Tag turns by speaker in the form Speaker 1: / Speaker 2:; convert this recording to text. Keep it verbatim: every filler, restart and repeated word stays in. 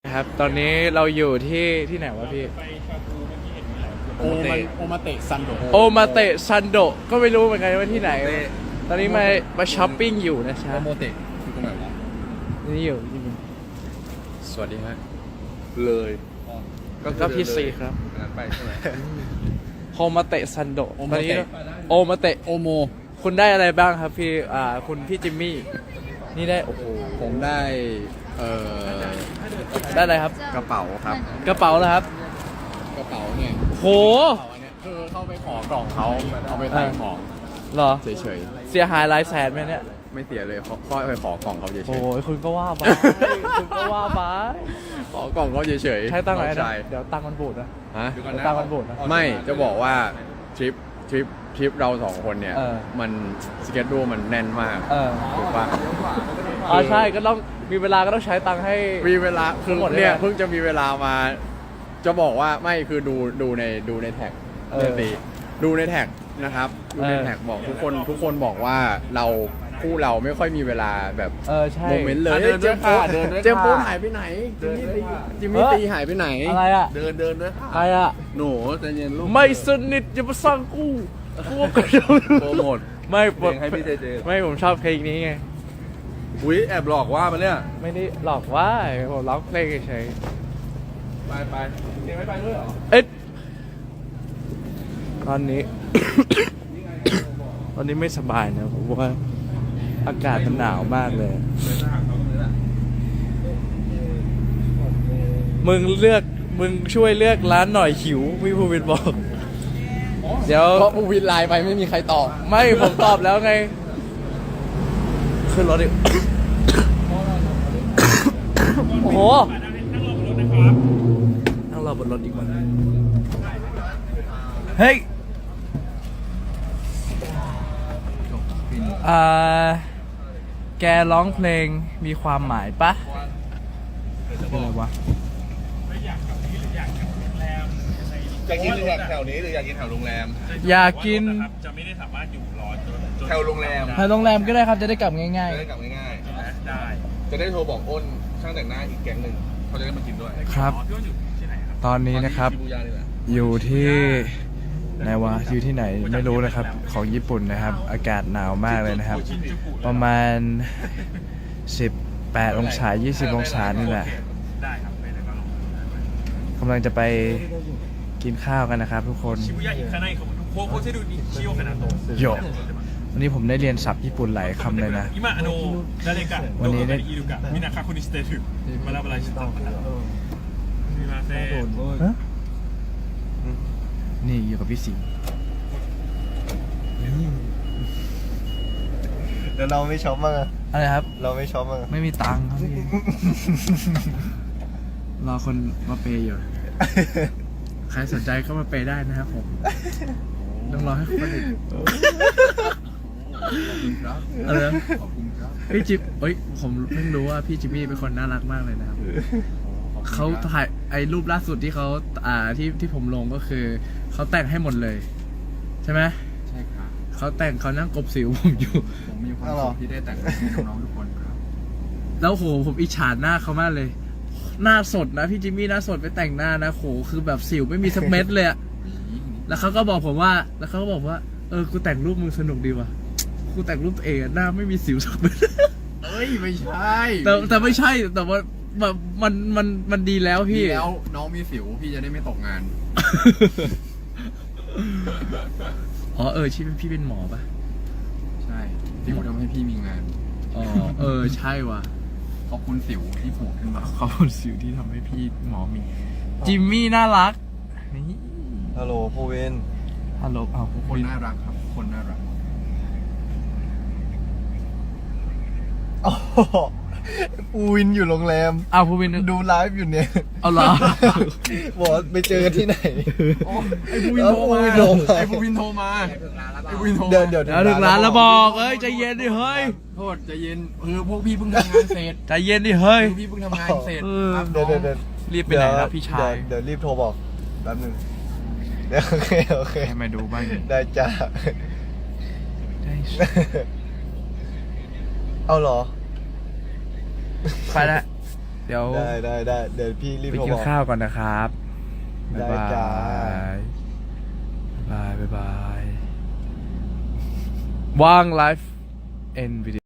Speaker 1: ครับตอนนี้เราอยู่ที่ที่ไหนวะพี่
Speaker 2: โอมาโอมาเตะซันโด
Speaker 1: โอมาเตะซันโดก็ไม่รู้เหมือนกันว่าที่ไหนตอนนี้มามาช้อปปิ้งอยู่นะจ๊ะ
Speaker 2: โอโมเตะคือตรงไหนวะ
Speaker 1: นี่อยู่นี่อยู่
Speaker 2: สวัสดีฮะเลยก็
Speaker 1: พี่ซีครับ
Speaker 2: นั้นไปใช่ไหม
Speaker 1: โอมาเตะซันโด
Speaker 2: โอ
Speaker 1: ต
Speaker 2: มา
Speaker 1: อน
Speaker 2: เตะ
Speaker 1: นี้โอมาเตะ
Speaker 2: โอโม
Speaker 1: คุณได้อะไรบ้างครับพี่อ่าคุณพี่จิมมี่นี่ได้โอ้โห
Speaker 2: ผมได้เอ่อ
Speaker 1: ได้อะไรครับ
Speaker 2: กระเป๋าครับ
Speaker 1: กระเป๋าแล้วครับ
Speaker 2: กระเป๋าเนี่ย
Speaker 1: โห
Speaker 2: กระเป๋าอันเนี้ยคือเข้าไปขอกล่องเขาเอาไปใส่ของ
Speaker 1: เหรอ
Speaker 2: เฉย
Speaker 1: เสียหายหลายแสนไหมเนี่ย
Speaker 2: ๆไม่เสียเลยเขาเข้าไปขอกล่องเขาเฉย
Speaker 1: โอ้ยคุณก็ว่าไปคุณก็ว่าไป
Speaker 2: ๆขอกล่องเขาเฉยๆ
Speaker 1: ใช้ตังค์ไหน
Speaker 2: น้อ
Speaker 1: นะ
Speaker 2: ชาย
Speaker 1: เดี๋ยวตังค์มันบูดนะ
Speaker 2: ฮะ
Speaker 1: เดี๋ยวตังค์มันบูดนะ
Speaker 2: ไม่จะบอกว่าทริปทริปทริปเราสองคนเนี่ย
Speaker 1: เออ
Speaker 2: มันสเก็ตดูมันแน่นมาก
Speaker 1: เออ
Speaker 2: ถูกปะ
Speaker 1: อ๋อใช่ก็ต้องมีเวลาก็ต้องใช้ตังค์ให้
Speaker 2: มีเวลาคือ
Speaker 1: หมดเลย
Speaker 2: เนี่ย
Speaker 1: นะ
Speaker 2: เพิ่งจะมีเวลามา จะบอกว่าไม่คือดูดูในดูในแท็ก
Speaker 1: เออ
Speaker 2: เนี่ยสิดูในแท็กนะครับดูใน
Speaker 1: เออ
Speaker 2: แท็กบอกทุกคนทุกคนบอกว่าเราคู่เราไม่ค่อยมีเวลาแบบ
Speaker 1: เออใช่
Speaker 2: โมเมนต์เลย
Speaker 1: อ่ะเดินด้วย
Speaker 2: เจมส์โป๊
Speaker 1: ค่ะเดินด้วย
Speaker 2: เจมส์โป๊
Speaker 1: ค่ะ
Speaker 2: หายไปไหน
Speaker 1: เดินด้วยค่ะ
Speaker 2: จิมมี่
Speaker 1: เออ
Speaker 2: ตีหายไปไหน
Speaker 1: อะไรอ่ะ
Speaker 2: เดินเดินด้วย
Speaker 1: ใครอ่ะ
Speaker 2: หนูใจเย็นลูก
Speaker 1: ไม่สนิทอย่ามาสร้างกูกูก็จะ
Speaker 2: โปรโมท
Speaker 1: ไม่
Speaker 2: เพลงให้พี่เจเจ
Speaker 1: ไม่ผมชอบเพลงนี้ไง
Speaker 2: อุ้ยแอบหลอกว่ามันเนี่ย
Speaker 1: ไม่ได้หลอกว่าผมร้องเพลงเฉย
Speaker 2: ไปไปเจไม่ไปด้วยเหรอ
Speaker 1: ๆเอ๊ะตอนนี้ ตอนนี้ไม่สบายนะผมว่าอากาศมันหนาวมากเลย มึงเลือกมึงช่วยเลือกร้านหน่อยหิวพี่ภูวินบอก เดี๋ยว
Speaker 2: เพราะผู้วินไลน์ไปไม่มีใครตอบ
Speaker 1: ไม่ผมตอบแล้วไงขึ้นรถดิ โอ้โหนั่งรอบนรถดีกว่าเฮ้ยอ่าแกร้องเพลงมีความหมายปะอะไรวะ
Speaker 3: อยากกินแถวนี้หรืออยากกินแถวโรงแรม
Speaker 1: อยากกิน
Speaker 3: จะไม่ได้สามารถอยู่รอจนแถวโรงแรม
Speaker 1: ไปโรงแรมก็ได้ครับจะได้กลับง่าย
Speaker 3: จะได้กลับง่ายๆได้ จะได้โทรบอกอ้นช่างแต่งหน้าอีกแก๊งหนึ่งเขาจะได้มากินด้วย
Speaker 1: ๆ ครับ
Speaker 3: พี่อ้นอยู่ที่ไหนครับ
Speaker 1: ตอนนี้นะครับ
Speaker 3: ชิบูย่านี่แหละ
Speaker 1: อยู่ที่ไหนวะอยู่ที่ไหนไม่รู้นะครับของญี่ปุ่นนะครับ อากาศหนาวมากเลยนะครับ ประมาณสิบแปดองศายี่สิบองศานี่แหละ
Speaker 3: ได้ครับไปเลยก็ลง
Speaker 1: กำลังจะไปกินข้าวกันนะครับ ทุกคน
Speaker 3: ชิบูย่าอีกข้างในเขาโค้ชโค้ชให้ดูนี่ชิโอคานาโตะ
Speaker 1: โยวันนี้ผมได้เรียนศัพท์ญี่ปุ่นหลายคำเลยนะ
Speaker 3: 今あの誰かど
Speaker 1: วัน
Speaker 3: こ
Speaker 1: นี้
Speaker 3: か
Speaker 1: ได้
Speaker 3: にいるかみんな確認してるバラバラしてたからすみません
Speaker 1: ฮะนี่อยู่กับพี่สิงห์
Speaker 4: เดี๋ยวเราไม่ช็อปมั้างอะ
Speaker 1: อะไรครับ
Speaker 4: เราไม่ช็อปมั้างอะ
Speaker 1: ไม่มีตังค์ครับพี่ รอคนมาเปย์อยู่ ใครสนใจก็มาเปย์ได้นะครับผม ต้องรอให้เขาผลิต
Speaker 2: ครับ
Speaker 1: อะไรนะ
Speaker 2: ขอบคุณครับ
Speaker 1: พี่จิบเอ้ย ผมเพิ่งรู้ว่าพี่จิมมี่เป็นคนน่ารักมากเลยนะครับ เขาถ่ายไอ้รูปล่าสุดที่เขาอ่าที่ที่ผมลงก็คือ เขาแต่งให้หมดเลย ใช่ไหม
Speaker 2: ใช่ครับ
Speaker 1: เขาแต่งเขานั่งกบสิวผมอยู่
Speaker 2: ผมมีความสุขที่ได้แต่งให้น้องๆทุกคนครับ
Speaker 1: แล้วโหผมอิจฉาหน้าเขามากเลย หน้าสดนะพี่จิมมี่หน้าสดไปแต่งหน้านะโหคือแบบสิวไม่มีสักเม็ดเลยอะแล้วเขาก็บอกผมว่า แล้วเขาก็บอกว่าเออกูแต่งรูปมึงสนุกดีว่ะกูแต่งรูปตัวเองอะหน้าไม่มีสิวสักเม็ด
Speaker 2: เอ้ยไม่ใช่
Speaker 1: แต่แต่ไม่ใช่แต่ว่าแบบมันมันมันดีแล้ว
Speaker 2: พี่
Speaker 1: พี่
Speaker 2: แล้วน้องมีสิวพี่จะได้ไม่ตกงาน
Speaker 1: อ๋อเออชีพพี่เป็นหมอปะ
Speaker 2: ใช่สิวทำให้พี่มีงาน
Speaker 1: อ๋อเออใช่ว่ะ
Speaker 2: ขอบคุณสิวที่ผูกขึ้นมา
Speaker 1: ขอบคุณสิวที่ทำให้พี่หมอมีจิมมี่น่ารักนี่
Speaker 4: ฮัลโหลภูวิน
Speaker 1: ฮัลโหลอ้าว
Speaker 2: ทุกคนน่ารักครับทุกคนน่ารัก
Speaker 4: โอ้โหภูวินอยู่โรงแรม
Speaker 1: อ้าวภูวิน
Speaker 4: ดูไลฟ์อยู่เนี่ย
Speaker 1: เอาเหรอ
Speaker 4: บอกว่าไปเจอกันที่ไหน
Speaker 2: ไอ้ภูวินโทรมา
Speaker 4: เออภูวินโทรมา
Speaker 2: ไอ้ภูวินโทรมาไอ้ภูวินโทรมา
Speaker 4: เดี๋ยวเดี๋ยว
Speaker 1: เดี๋ยวถึงร้านแล้วบอกเอ้ยใจเย็นดิเฮ้ย
Speaker 2: โทษใจเย็นคือพวกพี่เพิ่งทำงานเสร็จ
Speaker 1: ใจเย็นดิเฮ้ย
Speaker 2: คือพี่เพิ่งทำงานเสร็จ
Speaker 1: เออ
Speaker 2: ครับ
Speaker 4: เดี๋ยวเดี๋ยวเดี๋ยว
Speaker 1: รีบไปไหนนะพี่ชาย
Speaker 4: เดี๋ยวเดี๋ยวรีบโทรบอกแป๊บหนึงเดี๋ยวโอเคโอเค
Speaker 1: ให้มาดูบ้าง
Speaker 4: ได้จ้า
Speaker 1: ได้
Speaker 4: เอาเหรอ
Speaker 1: ไปละเดี๋ยว
Speaker 4: ได้ได้ได้เดี๋ยวพี่รีบ
Speaker 1: ไป
Speaker 4: โทร
Speaker 1: กิน
Speaker 4: บอก
Speaker 1: ข้าวก่อนนะครับ บ๊าย
Speaker 4: ได้
Speaker 1: บา
Speaker 4: จ้า
Speaker 1: ย บ๊ายบาย บ๊ายบาย ว่างไลฟ์เอ็นวีดี